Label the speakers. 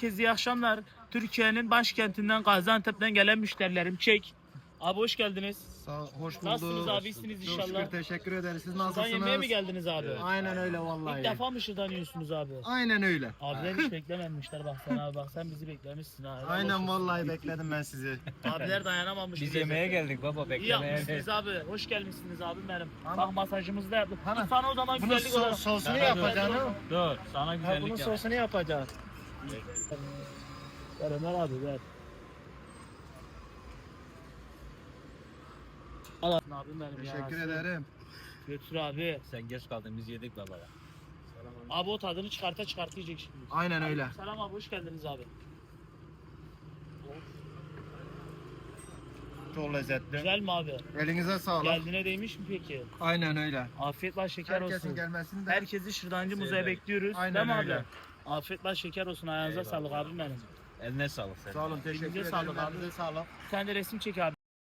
Speaker 1: herkese iyi akşamlar. Türkiye'nin başkentinden Gaziantep'ten gelen müşterilerim çek. Abi hoş geldiniz.
Speaker 2: Hoş bulduk.
Speaker 1: Nasılsınız abi? İyisiniz
Speaker 2: Çok
Speaker 1: inşallah.
Speaker 2: şükür, teşekkür ederiz. Siz
Speaker 1: Şuradan
Speaker 2: nasılsınız?
Speaker 1: yemeğe mi geldiniz abi?
Speaker 2: Aynen öyle vallahi.
Speaker 1: İlk defa mı şuradan yiyorsunuz abi?
Speaker 2: Aynen öyle.
Speaker 1: Abiler hiç beklememişler bak sen abi bak sen bizi beklemişsin ha. Helal
Speaker 2: Aynen
Speaker 1: olsun.
Speaker 2: vallahi bekledim ben sizi.
Speaker 1: Abiler dayanamamış.
Speaker 3: Biz
Speaker 1: bize.
Speaker 3: yemeğe geldik baba,
Speaker 1: İyi
Speaker 3: beklemeye
Speaker 1: yapmışsınız abi. Hoş gelmişsiniz abim benim.
Speaker 2: Tamam.
Speaker 1: Bak masajımızı da yaptık.
Speaker 2: Tamam.
Speaker 1: Sana o zaman
Speaker 2: Bunun
Speaker 1: güzellik olarak.
Speaker 2: sosunu
Speaker 3: Beraber.
Speaker 2: yapacaksın.
Speaker 3: Dur, sana
Speaker 2: Ha,
Speaker 3: güzellik
Speaker 2: bunun
Speaker 3: yap.
Speaker 2: sosunu yapacaksın.
Speaker 1: Ver Ömer abi ver. Al abim benim ya.
Speaker 2: Teşekkür ederim.
Speaker 1: Götür abi.
Speaker 3: Sen geç kaldın, biz yedik baba.
Speaker 1: Abi o tadını çıkarta yiyecek şimdi.
Speaker 2: Aynen öyle.
Speaker 1: Selam abi hoş geldiniz abi.
Speaker 2: Çok lezzetli.
Speaker 1: Güzel mi abi?
Speaker 2: Elinize sağlık.
Speaker 1: Geldiğine değmiş mi peki?
Speaker 2: Aynen öyle.
Speaker 1: Afiyet bal şeker
Speaker 2: Herkesin
Speaker 1: olsun.
Speaker 2: gelmesini de.
Speaker 1: Herkesi Şırdancı Muzay'a
Speaker 3: Severiz.
Speaker 1: bekliyoruz.
Speaker 2: Aynen
Speaker 1: Değil mi
Speaker 2: öyle.
Speaker 1: abi? Afiyet bal şeker olsun. Ayağınıza
Speaker 3: Eyvallah.
Speaker 1: sağlık abim benim.
Speaker 3: Eline sağlık senin.
Speaker 2: Sağ olun, teşekkür
Speaker 1: Elinize
Speaker 2: ederim.
Speaker 1: sağlık abi.
Speaker 2: Elinize sağlık.
Speaker 1: Sen de resim çek abi.